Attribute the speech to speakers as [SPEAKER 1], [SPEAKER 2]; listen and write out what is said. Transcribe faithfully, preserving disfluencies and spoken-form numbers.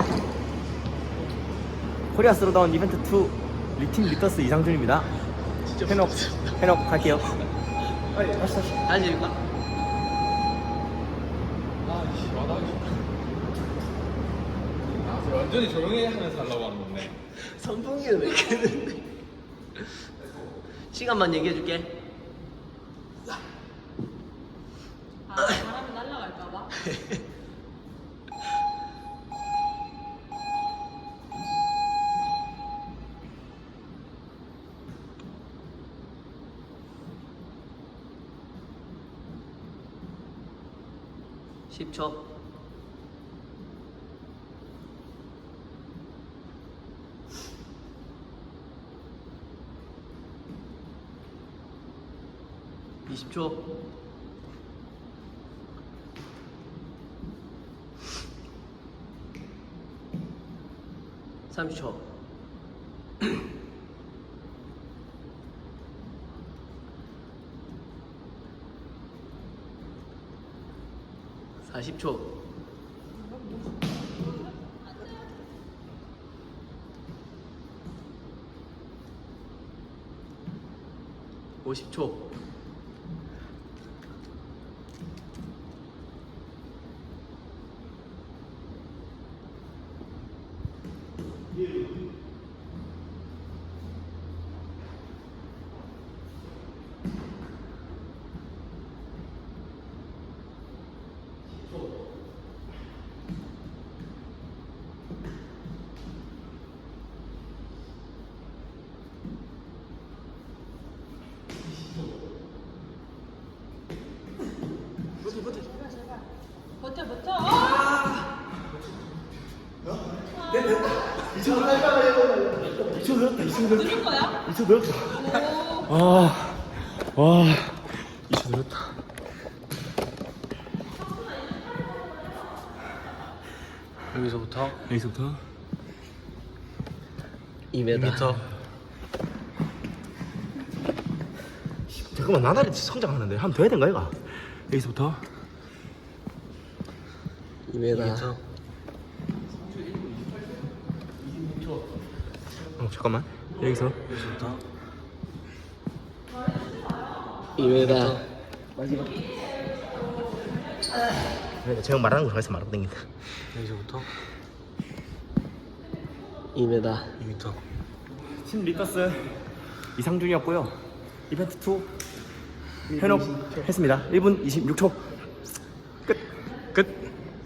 [SPEAKER 1] 코리아 스로다운 이벤트 투 리팀 리더스 이상준입니다. 해놓 해놓 갈게요. 빨리 다시 다시.
[SPEAKER 2] 다시 읽까?
[SPEAKER 3] 아이씨 와다기 완전히 조용히 하면서 하려고 하는 건데.
[SPEAKER 2] 선풍기는 왜 켜는데? 시간만 얘기해줄게.
[SPEAKER 4] 아, 바람이 날아갈까봐?
[SPEAKER 2] 십 초. 이십 초. 삼십 초. 사십 초. 오십 초.
[SPEAKER 4] 버텨, 버텨! 아!
[SPEAKER 1] 이천 늘었다. 이천 늘었다.
[SPEAKER 4] 누른 거야?
[SPEAKER 1] 이천 늘었다.
[SPEAKER 4] 오.
[SPEAKER 1] 아, 와, 이천 늘었다.
[SPEAKER 2] 여기서부터
[SPEAKER 1] 여기서부터
[SPEAKER 2] 이 미터.
[SPEAKER 1] 잠깐만 나날이 성장하는데 한번 더 해야 된가 이가? 여기서부터
[SPEAKER 2] 이 미터.
[SPEAKER 1] 어 잠깐만 여기서
[SPEAKER 2] 여기서부터 이 미터.
[SPEAKER 1] 마지막. 제가 말하는 거 좋아해서 말하고 댕긴다.
[SPEAKER 2] 여기서부터 이 미터.
[SPEAKER 1] 이 미터. 팀 리더스 이상준이었고요. 이벤트 투 현혹 했습니다. 일 분 이십육 초 끝.